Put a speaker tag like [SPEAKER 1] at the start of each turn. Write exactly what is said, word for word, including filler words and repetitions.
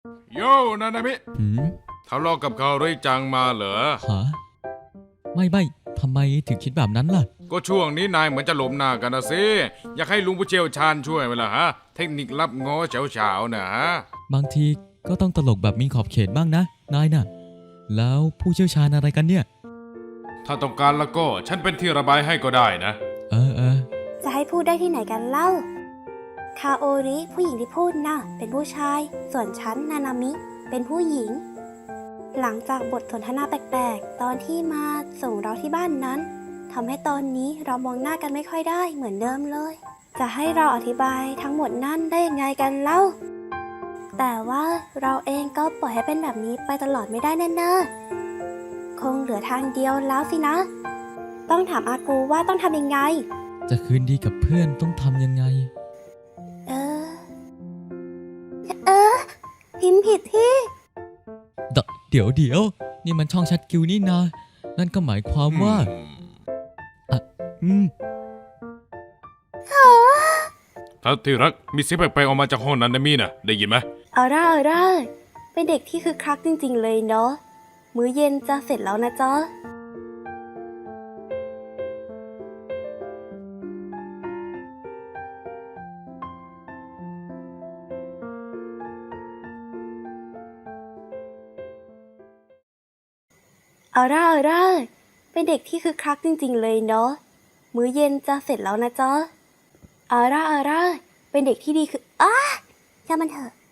[SPEAKER 1] โยนานามิ
[SPEAKER 2] หืม
[SPEAKER 1] ทะเลาะกับเขาริจังมาเหรอ
[SPEAKER 2] ฮะไม่ไม่ทำไมถึงคิดแบบนั้นล่ะ
[SPEAKER 1] ก็ช่วงนี้นายเหมือนจะหลมหน้ากันนะสิอยากให้ลุงผู้เชี่ยวชาญช่วยไหมล่ะฮะเทคนิครับง้อเฉาๆนะฮะ
[SPEAKER 2] บางทีก็ต้องตลกแบบมีขอบเขตบ้างนะนายน่ะแล้วผู้เชี่ยวชาญอะไรกันเนี่ย
[SPEAKER 1] ถ้าต้องการแล้วก็ฉันเป็นที่ระบายให้ก็ได้นะ
[SPEAKER 2] เออเออ
[SPEAKER 3] จะให้พูดได้ที่ไหนกันเล่าคาโอริผู้หญิงที่พูดน่ะเป็นผู้ชายส่วนฉันนานามิเป็นผู้หญิงหลังจากบทสนทนาแปลกๆตอนที่มาส่งเราที่บ้านนั้นทำให้ตอนนี้เรามองหน้ากันไม่ค่อยได้เหมือนเดิมเลยจะให้เราอธิบายทั้งหมดนั่นได้ยังไงกันเล่าแต่ว่าเราเองก็ปล่อยให้เป็นแบบนี้ไปตลอดไม่ได้แน่ๆคงเหลือทางเดียวแล้วสินะต้องถามอากูว่าต้องทำยังไง
[SPEAKER 2] จะคืนดีกับเพื่อนต้องทำยังไง
[SPEAKER 3] เออเออพิมพ์ผิดที่
[SPEAKER 2] เดเดี๋ยวเดี๋ยวนี่มันช่องแชทกิวนี่นานั่นก็หมายความว่าอ่ะอืม
[SPEAKER 1] ถ้าที่รักมีเสียงแปลกๆออกมาจากห้องนั้นนะมีนะได้ยินไหม
[SPEAKER 3] เอาร่าเอาร่าเป็นเด็กที่คึกคักจริงๆเลยเนาะมื้อเย็นจะเสร็จแล้วนะจ๊ะเอาร่าเอาร่าเป็นเด็กที่คึกคักจริงๆเลยเนาะมื้อเย็นจะเสร็จแล้วนะจ๊ะเอาร่าเอาร่าเป็นเด็กที่ดีคืออ้าช่างมันเถอะ